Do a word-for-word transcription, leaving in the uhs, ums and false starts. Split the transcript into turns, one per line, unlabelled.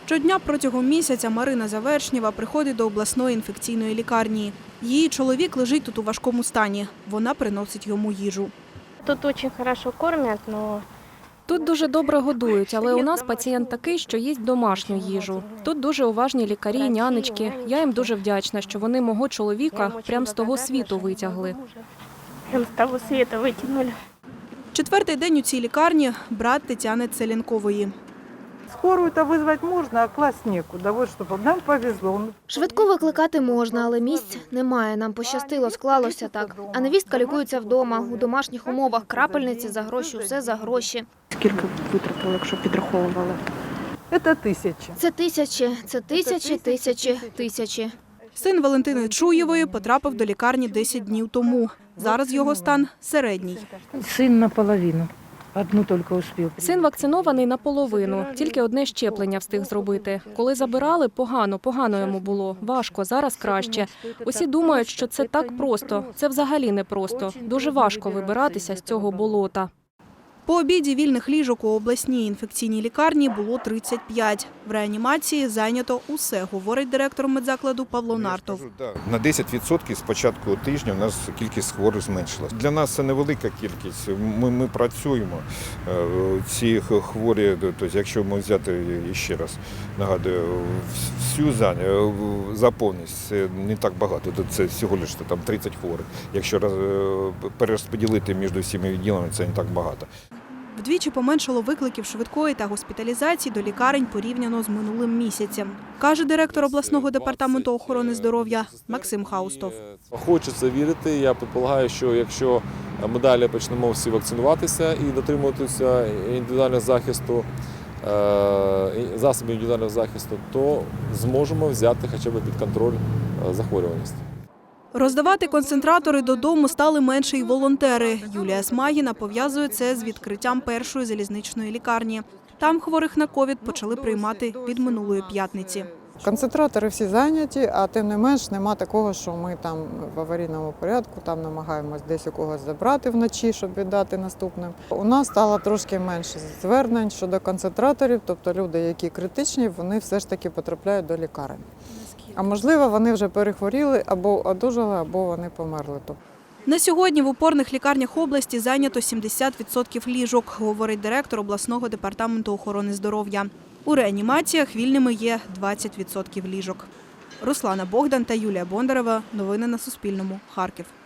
Щодня протягом місяця Марина Завершнєва приходить до обласної інфекційної лікарні. Її чоловік лежить тут у важкому стані. Вона приносить йому їжу.
Тут дуже добре кормять, але...
Тут дуже добре годують, але у нас пацієнт такий, що їсть домашню їжу. Тут дуже уважні лікарі, нянечки. Я їм дуже вдячна, що вони мого чоловіка прямо з того світу витягли.
Прямо з того світу витягнули.
Четвертий день у цій лікарні – брат Тетяни Целенкової.
Скорую-то визвати можна, а класть нікуди. От, щоб нам повезло.
Швидку викликати можна, але місць немає. Нам пощастило, склалося так. А невістка лікується вдома, у домашніх умовах, крапельниці за гроші, усе за гроші.
Скільки витратили, якщо підраховували?
Це тисячі.
Це тисячі, це тисячі, тисячі, тисячі.
Син Валентини Чуєвої потрапив до лікарні десять днів тому. Зараз його стан середній.
Син наполовину. Одну тільки успів.
Син вакцинований наполовину, тільки одне щеплення встиг зробити. Коли забирали, погано, погано йому було, важко, зараз краще. Усі думають, що це так просто, це взагалі не просто. Дуже важко вибиратися з цього болота.
По обіді вільних ліжок у обласній інфекційній лікарні було тридцять п'ять. В реанімації зайнято усе, говорить директор медзакладу Павло Нартов.
На десять відсотків з початку тижня у нас кількість хворих зменшилась. Для нас це невелика кількість. Ми, ми працюємо. Ці хворі, тобто, якщо ми взяти, ще раз нагадую, всю заповненість, це не так багато. Це всього лише там тридцять хворих. Якщо перерозподілити між всіма відділами, це не так багато.
Вдвічі поменшало викликів швидкої та госпіталізації до лікарень порівняно з минулим місяцем, каже директор обласного департаменту охорони здоров'я Максим Хаустов.
Хочеться вірити. Я предполагаю, що якщо ми далі почнемо всі вакцинуватися і дотримуватися індивідуального захисту, засобів індивідуального захисту, то зможемо взяти хоча б під контроль захворюваність.
Роздавати концентратори додому стали менше й волонтери. Юлія Смагіна пов'язує це з відкриттям першої залізничної лікарні. Там хворих на ковід почали приймати від минулої п'ятниці.
Концентратори всі зайняті, а тим не менш нема такого, що ми там в аварійному порядку там намагаємось десь у когось забрати вночі, щоб віддати наступним. У нас стало трошки менше звернень щодо концентраторів, тобто люди, які критичні, вони все ж таки потрапляють до лікарень. А можливо, вони вже перехворіли, або одужали, або вони померли.
На сьогодні в опорних лікарнях області зайнято сімдесят відсотків ліжок, говорить директор обласного департаменту охорони здоров'я. У реанімаціях вільними є двадцять відсотків ліжок. Руслана Богдан та Юлія Бондарева. Новини на Суспільному. Харків.